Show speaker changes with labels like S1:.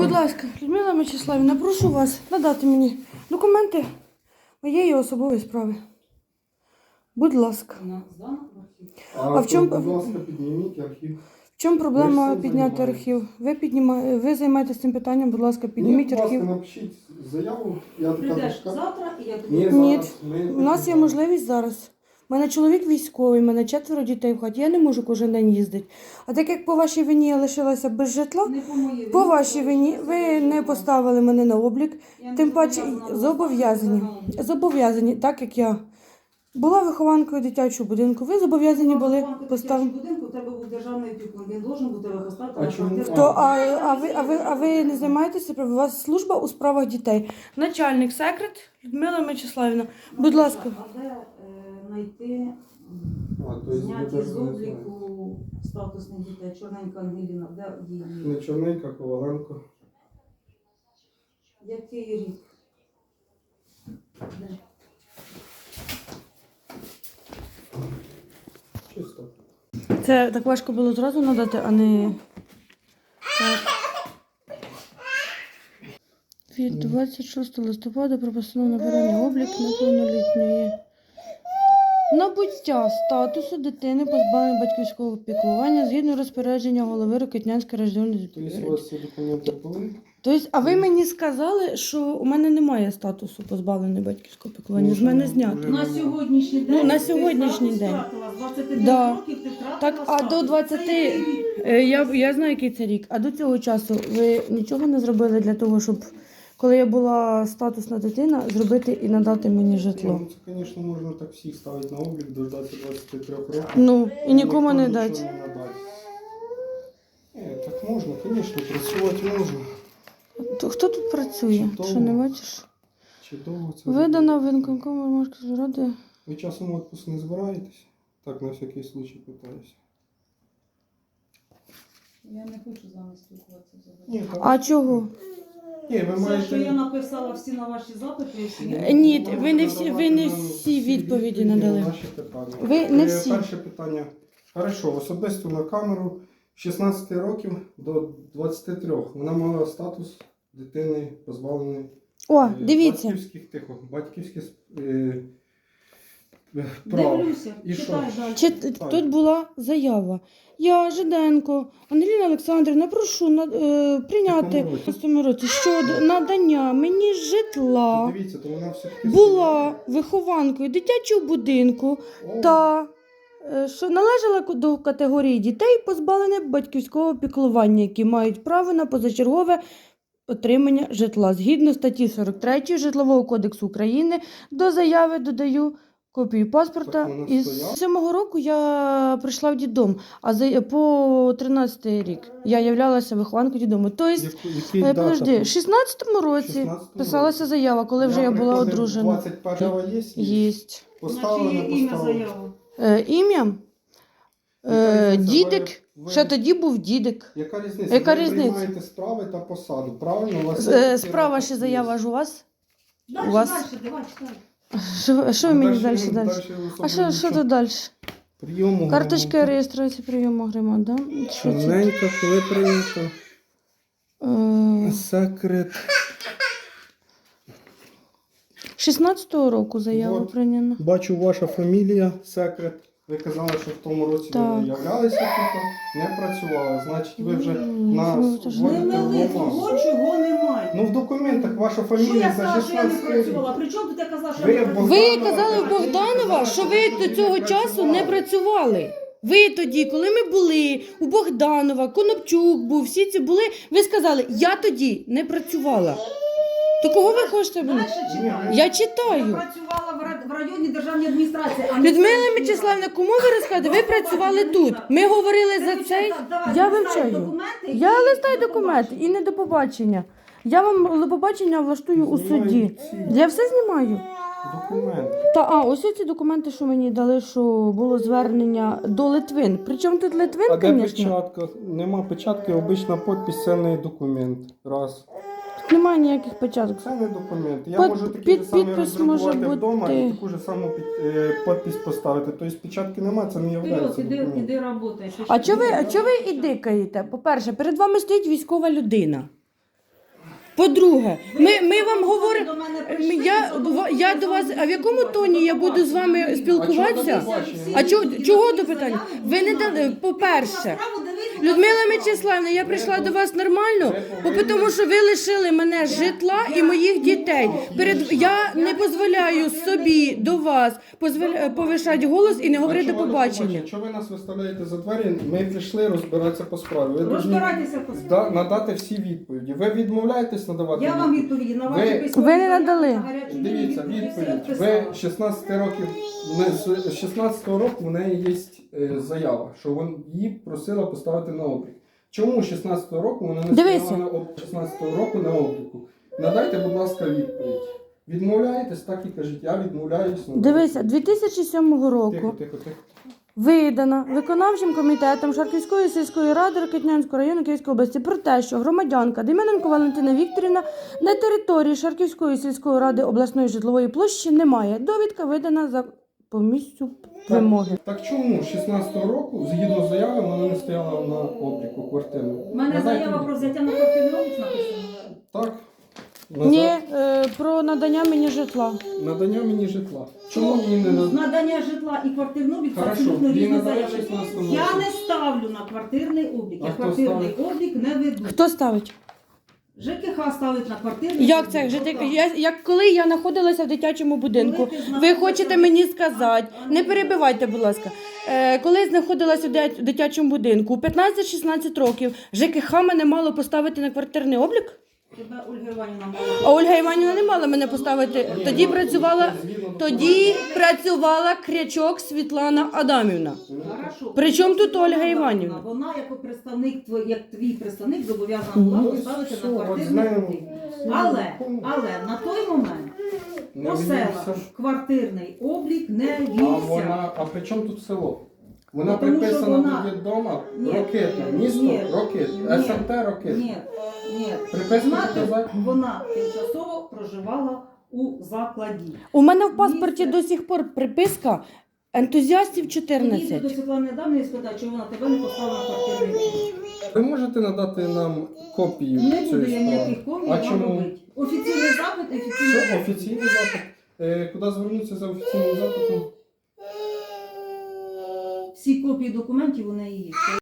S1: Будь ласка, Людмила Мячеславівна, прошу вас надати мені документи моєї особової справи. Будь ласка.
S2: А в чому, будь ласка, підніміть архів.
S1: В чому проблема
S2: Ви ж цим
S1: підняти архів? Ви займаєтесь цим питанням, будь ласка, підніміть
S2: Ні,
S1: архів.
S2: Будь ласка, напишіть заяву. Я така
S3: Прийдеш
S2: дошка.
S3: завтра і я тобі...
S2: Ні,
S1: Ні,
S2: зараз ми
S1: у нас є можливість зараз. У мене чоловік військовий, у мене 4 дітей в хаті, я не можу кожен день їздити. А так як по вашій вині я лишилася без житла,
S3: Не по моїй
S1: по
S3: вині,
S1: вашій вині ви не поставили мене на облік,
S3: Я не
S1: тим паче
S3: зобов'язана
S1: зобов'язані.
S3: поставити на облік.
S1: Зобов'язані, так як я була вихованкою дитячого будинку, ви зобов'язані були поставити.
S3: будинку у тебе був державний опікун, він должен бути вихостати.
S2: А чому?
S1: А ви не займаєтеся? У вас служба у справах дітей. Начальник секрет Людмила Мячеславівна. Будь ласка.
S3: А де знайти
S2: тобто
S3: зняті
S2: ви
S3: з
S2: навіть не
S3: обліку статусних дітей? Чорненька Ангеліна, де її?
S2: Не Чорненька, Коваленко.
S3: Який рік? Де?
S2: Чисто.
S1: Це так важко було зразу надати, а не так. Від 26 листопада про постанову набирання облік неповнолітньої. Набуття статусу дитини, позбавлення батьківського піклування згідно розпорядження голови Рокитнянської районної
S2: Тобто у вас ці документи були?
S1: Тобто, а ви мені сказали, що у мене немає статусу позбавлення батьківського піклування. З мене знято.
S3: На сьогоднішній день.
S1: Ну, на
S3: ти
S1: сьогоднішній
S3: статус
S1: день.
S3: втратила. З 29
S1: Да.
S3: років ти втратила
S1: Так, а
S3: статус.
S1: до 20,
S3: Це який рік?
S1: я знаю, який це рік. А до цього часу ви нічого не зробили для того, щоб, коли я була статусна дитина, зробити і надати мені житло?
S2: Ну, це, звісно, можна так всіх ставити на облік, дождатися 23 років.
S1: Ну, і нікому
S2: Ніхто
S1: не
S2: нічого
S1: дати.
S2: не надасть. Ні, так можна, звісно, працювати можна.
S1: Хто тут працює?
S2: Чудово.
S1: Що не бачиш?
S2: Чудово це.
S1: Видана виконкому Ромашківської ради.
S2: Ви часом в відпуск не збираєтесь? Так, на всякий случай питаюся.
S3: Я не хочу з вами спілкуватися взагалі.
S2: Ні, так.
S1: А чого?
S2: Ні, ви
S3: Все, що я
S2: маєте...
S3: написала всі на ваші запити, всі.
S1: Ні, ви не всі відповіді надали.
S2: Наші питання.
S1: Ви не всі.
S2: Перше питання. Хорошо, особисто на камеру 16 років до 23. Вона мала статус дитини позбавленої
S1: О, дивіться.
S2: батьківських прав.
S3: Дивлюся,
S2: І що?
S3: читай далі.
S1: Тут була заява. Я, Жиденко, Ангеліна Олександрівна, прошу прийняти
S2: Якому році?
S1: в цьому році щодо надання мені житла.
S2: Дивіться, то вона все-таки...
S1: Була вихованкою дитячого будинку та що належала до категорії дітей, позбавлених батьківського піклування, які мають право на позачергове отримання житла. Згідно статті 43 Житлового кодексу України до заяви додаю копію паспорта.
S2: Так вона
S1: Із
S2: стояла?
S1: 7-го року я прийшла в дитдом, а по 13-й рік я являлася вихованкою дитдому. Тобто,
S2: Який дата?
S1: подожди, в 16-му році
S2: 16-му
S1: писалася заява, коли вже я була
S2: приходив,
S1: одружена.
S2: 21-го є?
S1: Єсть.
S2: Поставили,
S3: Значить,
S2: не
S3: є ім'я
S2: поставили.
S3: заяви.
S1: Ім'я?
S2: Яка різниця?
S1: Дідик.
S2: Ви-
S1: Ще тоді був дідик.
S2: Яка різниця?
S1: Яка
S2: Ви
S1: різниця?
S2: приймаєте справи та посаду, правильно? У вас є
S1: Справа ще
S2: є.
S1: заява ж у вас?
S3: Дальше,
S1: У вас-
S3: дальше, давай, читай.
S1: Що ви мені далі?
S2: Дальше
S1: А що тут далі?
S2: Прийому
S1: Карточка реєстрації прийому громад, да? Що це?
S2: Чорненька, коли прийнято? Секрет.
S1: 16-го року заява
S2: Вот.
S1: прийнята.
S2: Бачу, ваша фамілія, секрет. Ви казали, що в тому році
S1: Так.
S2: ви являлися тут, не працювали. Значить, ви вже на
S1: ну, це ж
S3: Не
S2: вводите
S3: мили
S2: бумагу.
S3: того, чого немає.
S2: Ну в документах ваша
S3: Що я
S2: фамілія за
S3: сказала, що я не
S2: 16 рік.
S3: працювала? При чому тут я казала, що
S2: Ви
S3: я не
S2: Богданова
S3: працювала?
S1: Ви казали в Богданова, що ви до цього часу не працювали. Ви тоді, коли ми були у Богданова, Конопчук був, всі ці були, ви сказали, я тоді не працювала. То кого ви хочете?
S3: Дальше читай.
S1: Я
S3: Я
S1: читаю.
S3: працювала в районній державній адміністрації, а не
S1: Людмила
S3: в
S1: Мячеславівна, кому ви розказуєте? Ви працювали тут. Ми говорили за цей. Я вивчаю. Я листаю документи і не до побачення. Я вам до побачення влаштую у суді. Я все знімаю.
S2: Документ.
S1: Ось ці документи, що мені дали, що було звернення до Литвин. Причому тут Литвин,
S2: А де
S1: звісно.
S2: печатка? Нема печатки, обична підпис, це не документ. Раз.
S1: Тут немає ніяких початок.
S2: Це не документ. Я
S1: Під-
S2: можу такий
S1: під-
S2: же самий
S1: підпис може
S2: роздрукувати вдома і
S1: бути.
S2: таку ж саму підпис поставити. Тобто печатки немає, це не є
S3: Вперед,
S2: документом.
S3: іди работай.
S1: А чого ви ідикаєте? По-перше, перед вами стоїть військова людина. По-друге, ми вам говоримо.
S3: До мене прийшли,
S1: Я до вас, а в якому тоні я буду з вами спілкуватися? А чого до питання? Ви не дали, по-перше, Людмила Мячеславівна, я прийшла до вас нормально, тому що ви лишили мене житла і моїх дітей. Я не дозволяю собі до вас повишати голос і не говорити до побачення.
S2: Якщо ви нас виставляєте за двері, ми прийшли розбиратися по справі. Ви
S3: Розбирайтеся по справі.
S2: надати всі відповіді. Ви відмовляєтесь надавати
S3: Я вам відповіді на ваші
S2: Ви-
S3: письмові
S1: Ви не
S3: заяви
S1: надали.
S3: на гарячу лінію
S2: Дивіться,
S3: всі
S2: відповідь.
S3: відписала.
S2: Ви 16 років, з 16 року в неї є заява, що її просила поставити на облік. Чому 16 року вона не
S1: Дивися.
S2: стояла на 16 року на обліку? Надайте, будь ласка, відповідь. Відмовляєтесь, так і кажіть, я відмовляюсь.
S1: Дивися, 2007 року
S2: Тихо.
S1: видана виконавчим комітетом Шарківської сільської ради Рокитнянського району Київської області про те, що громадянка Дем'яненко Валентина Вікторівна на території Шарківської сільської ради обласної житлової площі немає. Довідка видана за по місцю вимоги.
S2: Так чому 16 року, згідно з заявою, вона не стояла на обліку квартири?
S3: У мене заява про взяття на квартирний облік написана.
S2: Так.
S1: Ні, про надання мені житла.
S2: Надання мені житла. Чому мені не надання?
S3: Надання житла і квартирний облік це
S2: Хорошо,
S3: абсолютно
S2: їй
S3: різні
S2: надали
S3: заяви.
S2: 16 року.
S3: Я не ставлю на квартирний облік.
S2: А
S3: Я
S2: хто
S3: квартирний
S2: ставить?
S3: облік не веду.
S1: Хто ставить?
S3: ЖКХ ставить на квартирний
S1: Як
S3: облік.
S1: це?
S3: Отак.
S1: Як коли я знаходилася в дитячому будинку,
S3: Коли ти
S1: ви
S3: знаходилася
S1: хочете
S3: в-
S1: мені сказати, не перебивайте, будь ласка. Коли я знаходилася в дитячому будинку, у 15-16 років ЖКХ мене мало поставити на квартирний облік?
S3: Тебе Ольга Іванівна
S1: А
S3: мала.
S1: Ольга Іванівна не мала мене поставити. Тоді працювала Крячок Світлана Адамівна.
S3: Хорошо.
S1: При чому тут Ольга Іванівна?
S3: Вона як представник, як твій представник зобов'язана була
S2: Ну,
S3: поставити
S2: все,
S3: на
S2: от
S3: квартирний
S2: знаємо.
S3: облік. Але на той момент
S2: Не
S3: по селах
S2: ввівся.
S3: квартирний облік не вівся.
S2: А при чому тут село? Вона
S3: Ну, тому що
S2: приписана
S3: вона-
S2: до відома
S3: Ні.
S2: Рокитне, місто
S3: Ні.
S2: Рокит,
S3: Ні.
S2: СМТ Рокит.
S3: Ні.
S2: Приписано
S3: Знати,
S2: сказати.
S3: вона тимчасово проживала у закладі.
S1: У мене в паспорті
S3: Місце.
S1: до сих пор приписка ентузіастів
S3: Підійди до
S1: 14.
S3: Світлани Адамівни і спитай, чи вона тебе не поставила на квартирний облік.
S2: Ви можете надати нам копію
S3: Не буду
S2: цієї
S3: я
S2: справи?
S3: ніяких комій
S2: А
S3: вам
S2: чому?
S3: робити. Офіційний запит,
S2: Що офіційний запит? Куди звернутися за офіційним запитом?
S3: всі копії документів у неї є.